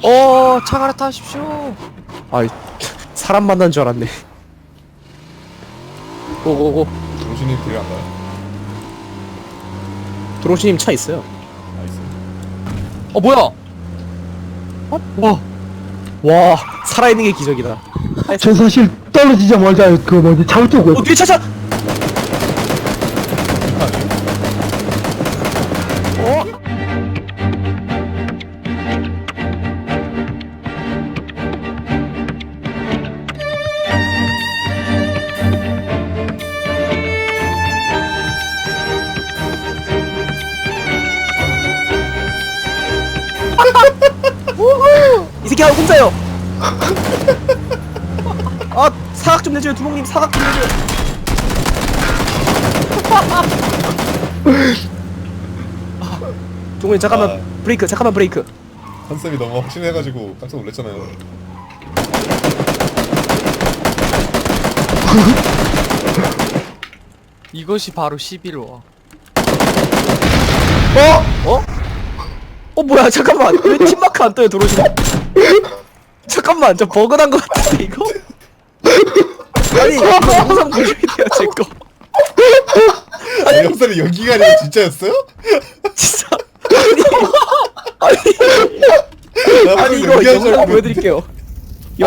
차 갈아타십시오. 아이, 사람 만난 줄 알았네. 오오오. 도시님 데려간가요? 드로시님 차 있어요. 나이스. 뭐야? 와, 살아있는 게 기적이다. 저 사실 떨어지자마자 그 뭐지 잘못 보고 뒤에 차차! 이 새끼 혼자요. 사각 좀 내줘요, 두목님. 사각 좀 내줘요. 두목님 잠깐만. 브레이크. 잠깐만 브레이크. 컨셉이 너무 확신해가지고 깜짝 놀랐잖아요. 이것이 바로 11호. 뭐야, 잠깐만. 왜 팀마크 안 떠요, 도로시? 잠깐만, 저 버그 난 거 같은데, 이거? 아니, 이거 영상 보셔야 돼요, 제 거. 아니 영상이 연기가 아니라 진짜였어요? 진짜. 아니, 나 아니, 방금 이거 연기한 줄 영상 알고 보여드릴게요.